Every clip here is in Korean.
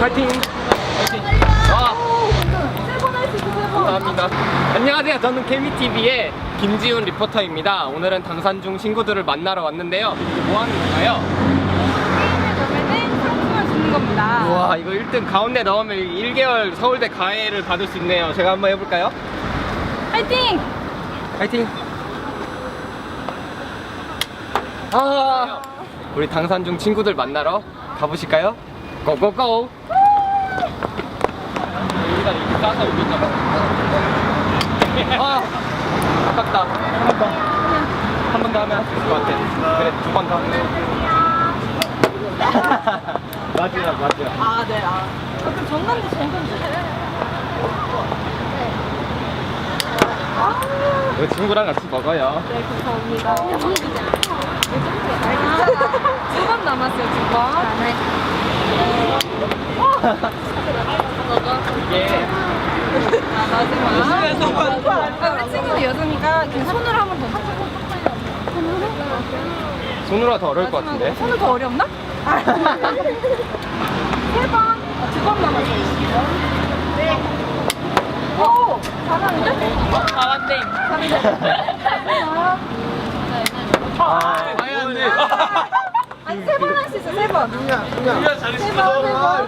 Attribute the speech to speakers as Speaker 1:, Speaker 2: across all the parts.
Speaker 1: 파이팅! 감사합니다. 안녕하세요. 저는 케미TV의 김지훈 리포터입니다. 오늘은 당산중 친구들을 만나러 왔는데요. 뭐 하는 건가요?
Speaker 2: 게임을 넣으면 상품을 주는 겁니다.
Speaker 1: 우와, 이거 1등 가운데 넣으면 1개월 서울대 가해를 받을 수 있네요. 제가 한번 해볼까요?
Speaker 2: 파이팅!
Speaker 1: 파이팅! 아, 우리 당산중 친구들 만나러 가보실까요? 고고고! 여기다 이렇게 싸서 올릴까 봐. 아, 아깝다. 한 번 더 하면 할 수 있을 것 같아. 그래, 2번 더 하면. 맞아요.
Speaker 2: 아, 네. 그럼 정관지.
Speaker 1: 우리 친구랑 같이 먹어요.
Speaker 2: 네, 감사합니다. 두 번 남았어요, 2번. 네.
Speaker 1: 이게
Speaker 2: 마지막. 우리 친구는 여성이니까 그냥 손으로 한 번 더.
Speaker 1: 손으로 더 어려울 것 같은데.
Speaker 2: 손은 더 어렵나? 3번. 2번 남았어요. 네. 오! 잘하는데?
Speaker 1: 잘한데. 안 돼.
Speaker 2: 아니, 3번 할 수 있어, 3번.
Speaker 1: 우리가 잘했어.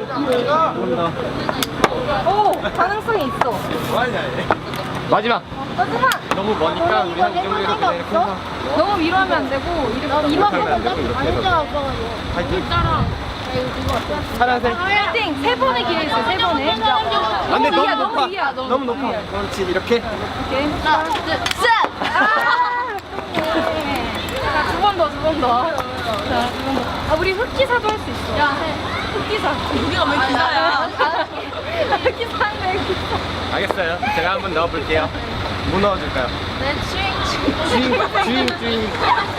Speaker 2: 오! 가능성이 있어.
Speaker 1: 마지막.
Speaker 2: 마지막!
Speaker 1: 너무 머니까 우리 한 정도에서 그냥 이렇게 해서.
Speaker 2: 너무 위로하면 안 되고, 이렇게
Speaker 1: 하면 안 되고 이렇게 해서. 파이팅. 파란색.
Speaker 2: 파이팅! 3번의 기회 있어요, 3번에.
Speaker 1: 안 돼, 너무
Speaker 2: 너무
Speaker 1: 높아.
Speaker 2: 위야,
Speaker 1: 너무 높아.
Speaker 2: 위야.
Speaker 1: 그렇지, 이렇게.
Speaker 2: 오케이. 하나, 둘, 셋! 자, 2번 더. 자, 2번 더. 우리 흑기사도 할 수 있어. 야, 흑기사. 우리가 왜 기사야? 흑기사인데, 흑기사.
Speaker 1: 알겠어요. 제가 한번 넣어볼게요. 뭐 넣어줄까요?
Speaker 2: 네,
Speaker 1: 주인.
Speaker 2: 칭칭!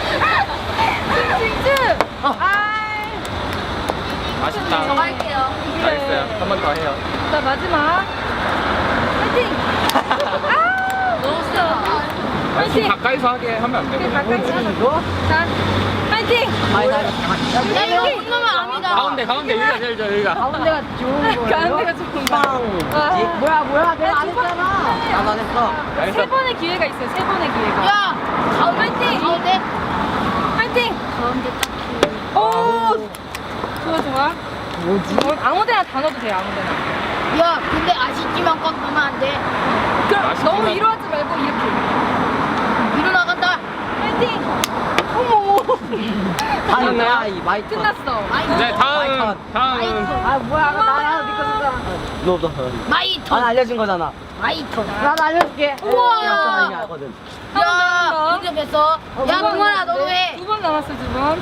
Speaker 1: 맛있다.
Speaker 2: 저 할게요.
Speaker 1: 알겠어요. 한 번 더 해요.
Speaker 2: 자, 마지막. 파이팅! 너무 세다.
Speaker 1: 아니, 좀
Speaker 2: 파이팅!
Speaker 1: 가까이서 하게 하면 안 되고.
Speaker 2: 가까이 하자. 자, 파이팅!
Speaker 3: 야, 이거 혼나면 아니다.
Speaker 1: 가운데 여기가.
Speaker 3: 가운데가 좋은 거예요?
Speaker 2: 가운데가 좋은 거.
Speaker 3: 뭐야? 내가 안 했잖아. 나도 안 했어.
Speaker 1: 알겠어.
Speaker 2: 3번의 기회가 있어요, 3번의 기회가.
Speaker 3: 야,
Speaker 2: 파이팅!
Speaker 3: 가운데.
Speaker 2: 파이팅!
Speaker 3: 가운데 딱.
Speaker 2: 오! 좋아. 뭐지? 아무 데나 다 넣어도 돼요, 아무 데나.
Speaker 3: 야, 근데 아쉽지만 꽉 넣으면 안 돼.
Speaker 2: 그럼
Speaker 1: 맛있지만-
Speaker 2: 너무 위로하지 말고 이렇게.
Speaker 3: 위로 나간다.
Speaker 2: 파이팅! 어머!
Speaker 1: 끝났나요?
Speaker 4: 이 마이크.
Speaker 2: 끝났어.
Speaker 1: 네, 다음.
Speaker 4: 아 뭐야 나야 니꺼 썼잖아. 너도.
Speaker 3: 마이톤.
Speaker 4: 난 알려준 거잖아.
Speaker 3: 마이톤.
Speaker 4: 난 알려줄게.
Speaker 3: 우와.
Speaker 4: 나 이미 알거든.
Speaker 3: 야, 인정했어. 야, 동원아, 너도 해.
Speaker 2: 2번 남았어, 2번.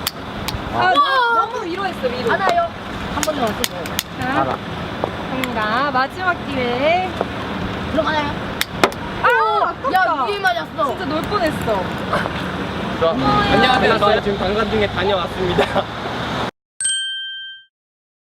Speaker 2: 너무 위로했어, 위로.
Speaker 3: 하나요. 한 번 더 왔어.
Speaker 2: 자,
Speaker 4: 알아.
Speaker 2: 갑니다. 마지막 기회.
Speaker 3: 들어가나요?
Speaker 2: 아깝다.
Speaker 3: 야, 위에 맞았어.
Speaker 2: 진짜 놀 뻔했어.
Speaker 1: 안녕하세요. 저희 지금 당산중에 다녀왔습니다.